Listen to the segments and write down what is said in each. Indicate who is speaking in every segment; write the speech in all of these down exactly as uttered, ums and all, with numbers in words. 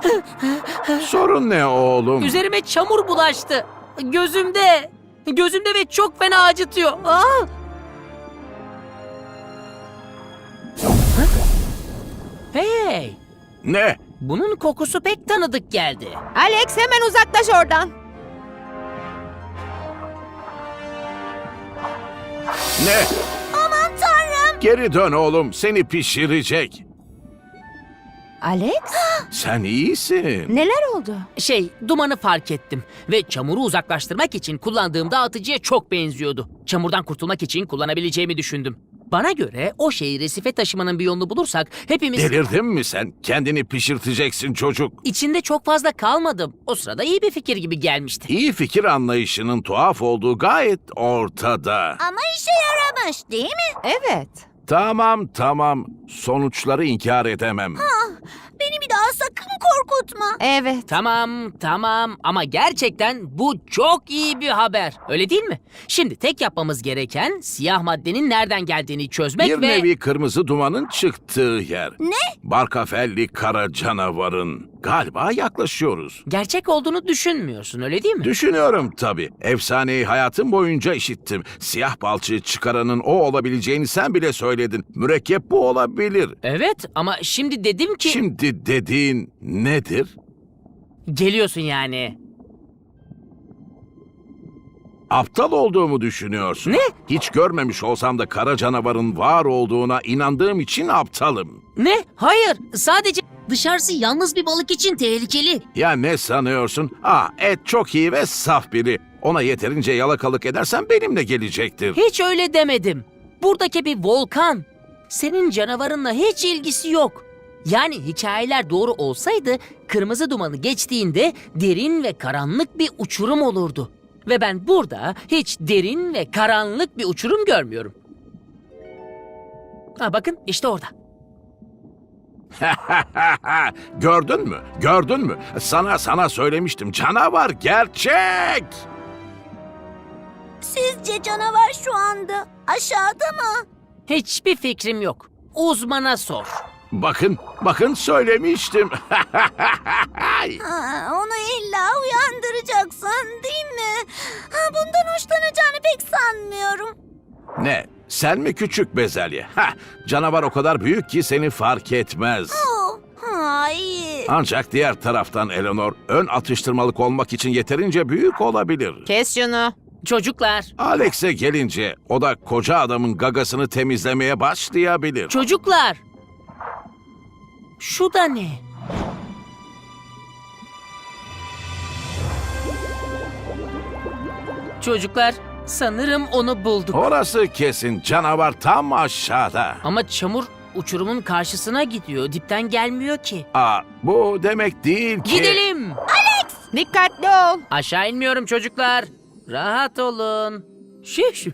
Speaker 1: Sorun ne oğlum?
Speaker 2: Üzerime çamur bulaştı. Gözümde. Gözümde ve çok fena acıtıyor. Aa! Hey!
Speaker 1: Ne?
Speaker 2: Bunun kokusu pek tanıdık geldi.
Speaker 3: Alex hemen uzaklaş oradan.
Speaker 1: Ne?
Speaker 3: Aman tanrım.
Speaker 1: Geri dön oğlum, seni pişirecek.
Speaker 3: Alex?
Speaker 1: Sen iyisin.
Speaker 3: Neler oldu?
Speaker 2: Şey, dumanı fark ettim ve çamuru uzaklaştırmak için kullandığım dağıtıcıya çok benziyordu. Çamurdan kurtulmak için kullanabileceğimi düşündüm. Bana göre o şeyi resife taşımanın bir yolunu bulursak hepimiz...
Speaker 1: Delirdin mi sen? Kendini pişirteceksin çocuk.
Speaker 2: İçinde çok fazla kalmadım. O sırada iyi bir fikir gibi gelmişti.
Speaker 1: İyi fikir anlayışının tuhaf olduğu gayet ortada.
Speaker 3: Ama işe yaramış değil mi? Evet.
Speaker 1: Tamam tamam, sonuçları inkar edemem.
Speaker 3: Beni bir daha sakın korkutma. Evet.
Speaker 2: Tamam, tamam ama gerçekten bu çok iyi bir haber. Öyle değil mi? Şimdi tek yapmamız gereken siyah maddenin nereden geldiğini çözmek
Speaker 1: Bir
Speaker 2: ve...
Speaker 1: nevi kırmızı dumanın çıktığı yer.
Speaker 3: Ne?
Speaker 1: Barkafelli kara canavarın. Galiba yaklaşıyoruz.
Speaker 2: Gerçek olduğunu düşünmüyorsun, öyle değil mi?
Speaker 1: Düşünüyorum tabii. Efsaneyi hayatım boyunca işittim. Siyah balçığı çıkaranın o olabileceğini sen bile söyledin. Mürekkep bu olabilir.
Speaker 2: Evet ama şimdi dedim ki...
Speaker 1: Şimdi dediğin nedir?
Speaker 2: Geliyorsun yani.
Speaker 1: Aptal olduğumu düşünüyorsun.
Speaker 2: Ne?
Speaker 1: Hiç görmemiş olsam da kara canavarın var olduğuna inandığım için aptalım.
Speaker 2: Ne? Hayır, sadece... Dışarısı yalnız bir balık için tehlikeli.
Speaker 1: Ya ne sanıyorsun? Aa, et çok iyi ve saf biri. Ona yeterince yalakalık edersen benimle gelecektir.
Speaker 2: Hiç öyle demedim. Buradaki bir volkan. Senin canavarınla hiç ilgisi yok. Yani hikayeler doğru olsaydı kırmızı dumanı geçtiğinde derin ve karanlık bir uçurum olurdu. Ve ben burada hiç derin ve karanlık bir uçurum görmüyorum. Ha bakın işte orada.
Speaker 1: Gördün mü? Gördün mü? Sana sana söylemiştim. Canavar gerçek.
Speaker 3: Sizce canavar şu anda aşağıda mı?
Speaker 2: Hiçbir fikrim yok. Uzmana sor.
Speaker 1: Bakın, bakın söylemiştim.
Speaker 3: Ha, onu illa uyandıracaksın değil mi? Ha, bundan hoşlanacağını pek sanmıyorum.
Speaker 1: Ne? Sen mi küçük bezelye? Hah, canavar o kadar büyük ki seni fark etmez.
Speaker 3: Oh, hayır.
Speaker 1: Ancak diğer taraftan Eleanor, ön atıştırmalık olmak için yeterince büyük olabilir.
Speaker 3: Kes şunu.
Speaker 2: Çocuklar,
Speaker 1: Alex'e gelince o da koca adamın gagasını temizlemeye başlayabilir.
Speaker 2: çocuklar. Şu da ne? Çocuklar, sanırım onu bulduk.
Speaker 1: Orası kesin, canavar tam aşağıda.
Speaker 2: Ama çamur uçurumun karşısına gidiyor. Dipten gelmiyor ki.
Speaker 1: Aa, bu demek değil ki...
Speaker 2: Gidelim.
Speaker 3: Dikkatli ol.
Speaker 2: Aşağı inmiyorum çocuklar. Rahat olun. Şiş.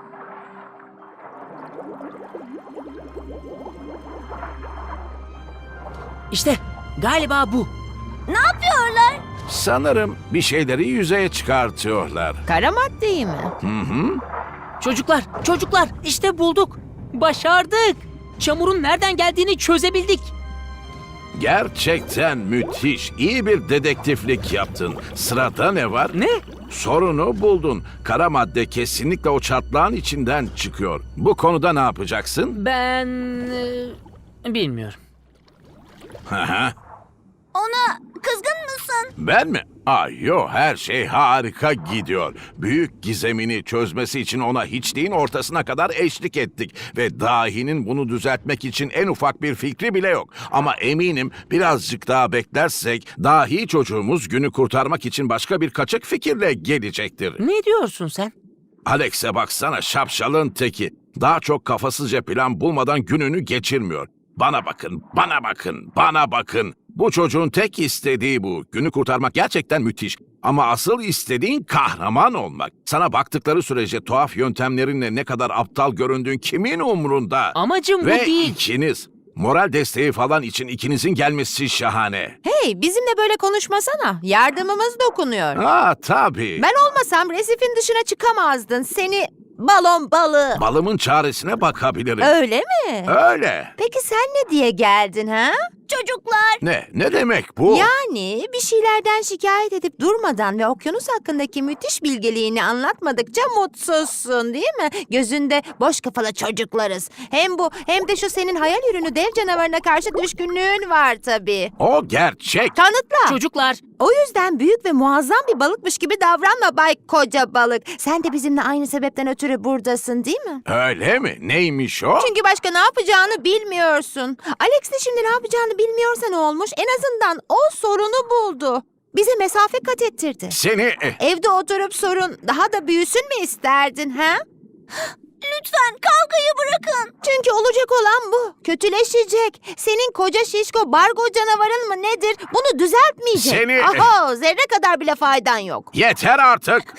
Speaker 2: İşte galiba bu.
Speaker 3: Ne yapıyorlar?
Speaker 1: Sanırım bir şeyleri yüzeye çıkartıyorlar.
Speaker 3: Kara maddeyi mi?
Speaker 1: Hı hı.
Speaker 2: Çocuklar, çocuklar işte bulduk. Başardık. Çamurun nereden geldiğini çözebildik.
Speaker 1: Gerçekten müthiş. İyi bir dedektiflik yaptın. Sırada ne var?
Speaker 2: Ne?
Speaker 1: Sorunu buldun. Kara madde kesinlikle o çatlağın içinden çıkıyor. Bu konuda ne yapacaksın?
Speaker 2: Ben... e, bilmiyorum.
Speaker 1: Hı hı.
Speaker 3: Ona kızgın mısın?
Speaker 1: Ben mi? Ay yo, her şey harika gidiyor. Büyük gizemini çözmesi için ona hiçliğin ortasına kadar eşlik ettik. Ve dahinin bunu düzeltmek için en ufak bir fikri bile yok. Ama eminim birazcık daha beklersek dahi çocuğumuz günü kurtarmak için başka bir kaçık fikirle gelecektir.
Speaker 2: Ne diyorsun sen?
Speaker 1: Alex'e baksana, şapşalın teki. Daha çok kafasızca plan bulmadan gününü geçirmiyor. Bana bakın, bana bakın, bana bakın. Bu çocuğun tek istediği bu. Günü kurtarmak gerçekten müthiş. Ama asıl istediğin kahraman olmak. Sana baktıkları sürece tuhaf yöntemlerinle ne kadar aptal göründüğün kimin umrunda?
Speaker 2: Amacım bu
Speaker 1: Ve
Speaker 2: değil.
Speaker 1: ikiniz. Moral desteği falan için ikinizin gelmesi şahane.
Speaker 3: Hey, bizimle böyle konuşmasana. Yardımımız dokunuyor.
Speaker 1: Ha tabii.
Speaker 3: Ben olmasam resifin dışına çıkamazdın. Seni balon balığı.
Speaker 1: Balımın çaresine bakabilirim.
Speaker 3: Öyle mi?
Speaker 1: Öyle.
Speaker 3: Peki sen ne diye geldin ha? Çocuklar.
Speaker 1: Ne? Ne demek bu?
Speaker 4: Yani bir şeylerden şikayet edip durmadan ve okyanus hakkındaki müthiş bilgeliğini anlatmadıkça mutsuzsun değil mi? Gözünde boş kafalı çocuklarız. Hem bu hem de şu senin hayal ürünü dev canavarına karşı düşkünlüğün var tabii.
Speaker 1: O gerçek.
Speaker 4: Kanıtla.
Speaker 2: Çocuklar,
Speaker 4: O yüzden büyük ve muazzam bir balıkmış gibi davranma Bay Koca Balık. Sen de bizimle aynı sebepten ötürü buradasın değil mi?
Speaker 1: Öyle mi? Neymiş o?
Speaker 4: Çünkü başka ne yapacağını bilmiyorsun. Alex de şimdi ne yapacağını bilmiyorsa ne olmuş? En azından o sorunu buldu. Bize mesafe kat ettirdi.
Speaker 1: Seni... eh,
Speaker 4: Evde oturup sorun daha da büyüsün mü isterdin ha?
Speaker 3: Lütfen kavgayı bırakın.
Speaker 4: Çünkü olacak olan bu. Kötüleşecek. Senin koca şişko bargo canavarın mı nedir? Bunu düzeltmeyecek.
Speaker 1: Seni-
Speaker 4: Aho, zerre kadar bile faydan yok.
Speaker 1: Yeter artık.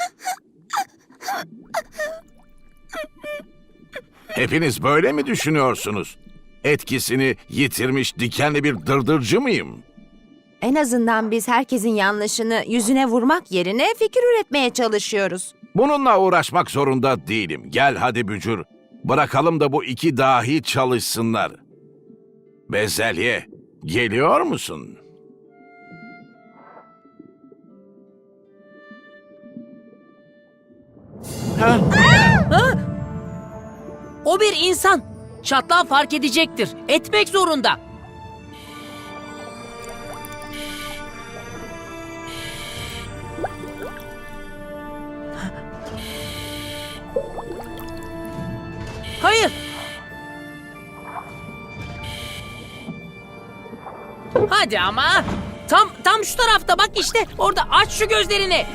Speaker 1: Hepiniz böyle mi düşünüyorsunuz? Etkisini yitirmiş dikenli bir dırdırcı mıyım?
Speaker 4: En azından biz herkesin yanlışını yüzüne vurmak yerine fikir üretmeye çalışıyoruz.
Speaker 1: Bununla uğraşmak zorunda değilim. Gel hadi bücür. Bırakalım da bu iki dahi çalışsınlar. Bezelye, geliyor musun?
Speaker 2: o bir insan. Çatlağı fark edecektir. Etmek zorunda. Hayır. Hadi ama. Tam tam şu tarafta bak işte. Orada aç şu gözlerini.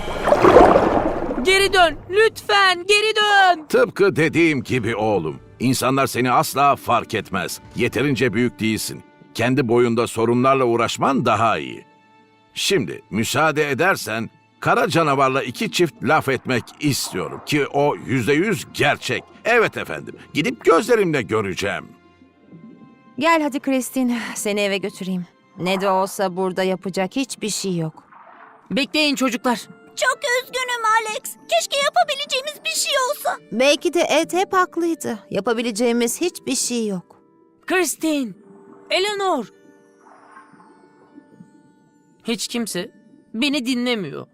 Speaker 2: Geri dön. Lütfen geri dön.
Speaker 1: Tıpkı dediğim gibi oğlum. İnsanlar seni asla fark etmez. Yeterince büyük değilsin. Kendi boyunda sorunlarla uğraşman daha iyi. Şimdi müsaade edersen kara canavarla iki çift laf etmek istiyorum ki o yüzde yüz gerçek. Evet efendim, gidip gözlerimle göreceğim.
Speaker 4: Gel hadi Christine, seni eve götüreyim. Ne de olsa burada yapacak hiçbir şey yok.
Speaker 2: Bekleyin çocuklar.
Speaker 3: Çok üzgünüm Alex. Keşke yapabileceğimiz bir şey olsa.
Speaker 4: Belki de Ed hep haklıydı. Yapabileceğimiz hiçbir şey yok.
Speaker 2: Christine, Eleanor. Hiç kimse beni dinlemiyor.